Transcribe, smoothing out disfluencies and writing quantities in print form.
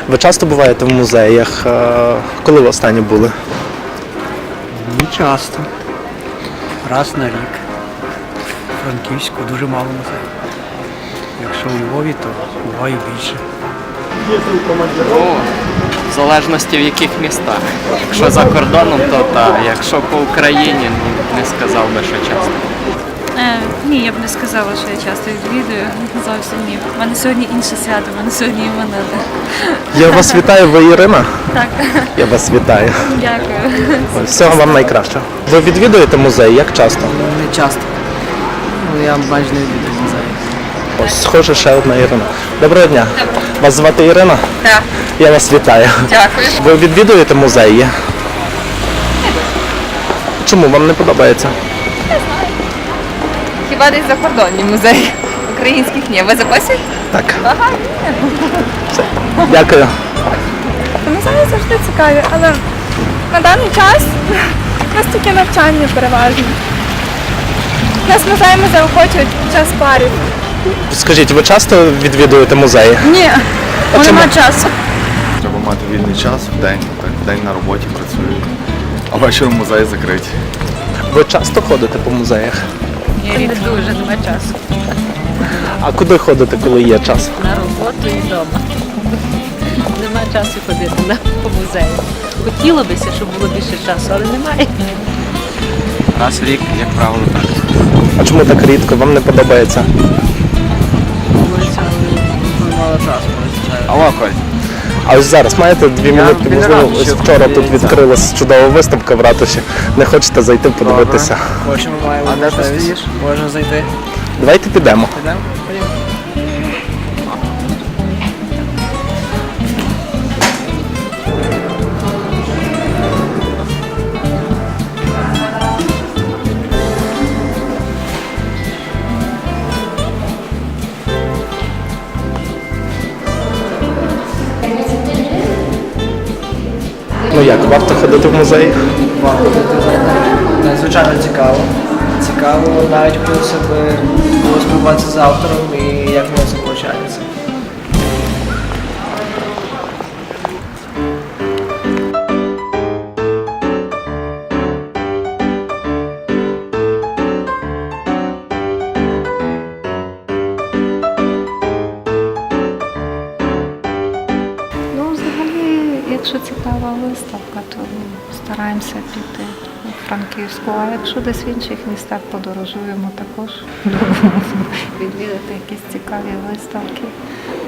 Ви часто буваєте в музеях? Коли ви останні були? Не часто. Раз на рік. У Франківську дуже мало музеїв. Якщо у Львові, то буває більше. В залежності в яких містах. Якщо за кордоном, то так. Якщо по Україні, не сказав би, що часто. Ні, я б не сказала, що я часто відвідую. Зовсім ні. У мене сьогодні інше свято, у мене сьогодні іменини. Я вас вітаю, ви Ірина? Так, Я вас вітаю. дякую. Всього вам найкращого. Ви відвідуєте музей? Як часто? Не часто. Я майже не відвідую музеї. Ось, схоже, ще одна Ірина. Доброго дня. Вас звати Ірина? Так, Я вас вітаю. дякую. Ви відвідуєте музеї? Чому вам не подобається? Хіба десь закордонні музеї? Українських ні. Ви записуєте? Так. Ага. Все. Дякую. Музеї завжди цікаві, але на даний час у нас тільки навчання переважно. Нас музеями заохочують під час парів. Скажіть, ви часто відвідуєте музеї? Ні, А чому? нема часу. Треба мати вільний час в день, так, в день на роботі працюю, а ввечері музеї закриті. Ви часто ходите по музеях? Ні, не дуже, нема часу. А куди ходите, коли є час? На роботу і вдома. Нема часу ходити по музею. Хотілося б, щоб було більше часу, але немає. Раз в рік, як правило, так. А чому так рідко? Вам не подобається? Мало часу, звичайно. Алло, Коль. А ось зараз маєте 2 минутки, можливо, ось вчора тут відкрилась чудова виставка в ратуші. Не хочете зайти подивитися? Хочемо, маємо. А де ти можливість. стоїш? Можна зайти. Давайте підемо. Підемо? Ходімо. Ну як, варто ходити в музей? Звичайно цікаво. Цікаво, навіть хотілося б поспілкуватися з автором і як воно це виходить. Ну, взагалі, якщо цікава виставка, то стараємося піти у Франківську. А якщо десь в інших містах подорожуємо, також любимо відвідати якісь цікаві виставки.